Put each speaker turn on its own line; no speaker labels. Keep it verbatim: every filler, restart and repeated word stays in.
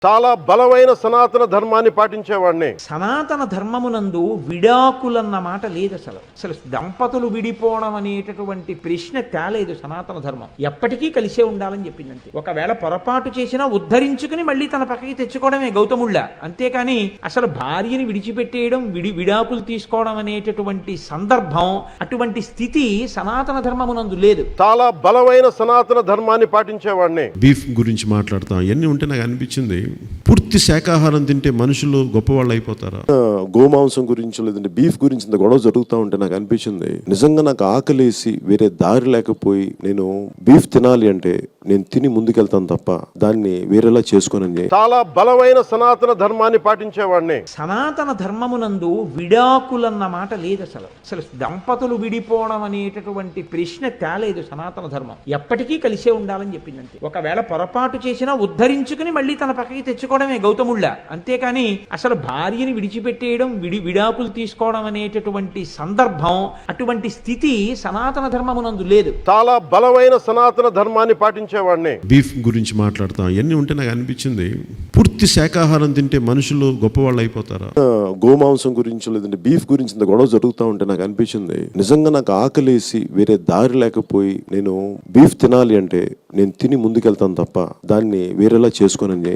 చాలా బలమైన సనాతన ధర్మాన్ని పాటించేవాడిని.
సనాతన ధర్మమునందు విడాకులన్న మాట లేదు. అసలు అసలు దంపతులు విడిపోవడం అనేటటువంటి ప్రశ్న తేలేదు. సనాతన ధర్మం ఎప్పటికీ కలిసే ఉండాలని చెప్పింది అంతే. ఒకవేళ పొరపాటు చేసినా ఉద్ధరించుకుని మళ్ళీ తన పక్కకి తెచ్చుకోవడమే గౌతముళ్ళ. అంతేకాని అసలు భార్యని విడిచిపెట్టేయడం, విడి విడాకులు తీసుకోవడం అనేటటువంటి సందర్భం, అటువంటి స్థితి సనాతన ధర్మమునందు లేదు.
చాలా బలమైన సనాతన ధర్మాన్ని పాటించేవాడిని.
బీఫ్ గురించి మాట్లాడతాం, ఇవన్నీ ఉంటే నాకు అనిపించింది, పూర్తి శాకాహారం తింటే మనుషులు గొప్పవాళ్ళు అయిపోతారా?
గోమాంసం గురించి లేదంటే బీఫ్ గురించి ఇంత గొడవ జరుగుతూ ఉంటే నాకు అనిపించింది, నిజంగా నాకు ఆకలేసి వేరే దారి లేకపోయి నేను బీఫ్ తినాలి అంటే నేను తిని ముందుకెళ్తాను తప్ప దాన్ని వేరేలా చేసుకోనని.
చాలా బలమైన సనాతన ధర్మాన్ని పాటించేవాడిని.
సనాతన ధర్మమునందు విడాకులన్న మాట లేదు. అసలు అసలు దంపతులు విడిపోవడం అనేటటువంటి ప్రశ్న తేలేదు. సనాతన ధర్మం ఎప్పటికీ కలిసే ఉండాలని చెప్పింది అంతే. ఒకవేళ పొరపాటు చేసినా ఉద్ధరించుకుని మళ్ళీ తన పక్కకి తెచ్చుకోవడమే గౌతముళ్ళ. అంతేకాని అసలు భార్యని విడిచిపెట్టేయడం, విడి విడాకులు తీసుకోవడం అనేటటువంటి సందర్భం, అటువంటి స్థితి సనాతన ధర్మమునందు లేదు.
చాలా బలమైన సనాతన ధర్మాన్ని పాటించేవాడిని.
బీఫ్ గురించి మాట్లాడతాం, ఇవన్నీ ఉంటే నాకు అనిపించింది, పూర్తి శాకాహారం తింటే మనుషులు గొప్పవాళ్ళు అయిపోతారా?
గోమాంసం గురించి లేదంటే బీఫ్ గురించి ఇంత గొడవ జరుగుతూ ఉంటే నాకు అనిపించింది, నిజంగా నాకు ఆకలేసి వేరే దారి లేకపోయి నేను బీఫ్ తినాలి అంటే నేను తిని ముందుకెళ్తాను తప్ప దాన్ని వేరేలా చేసుకోనని.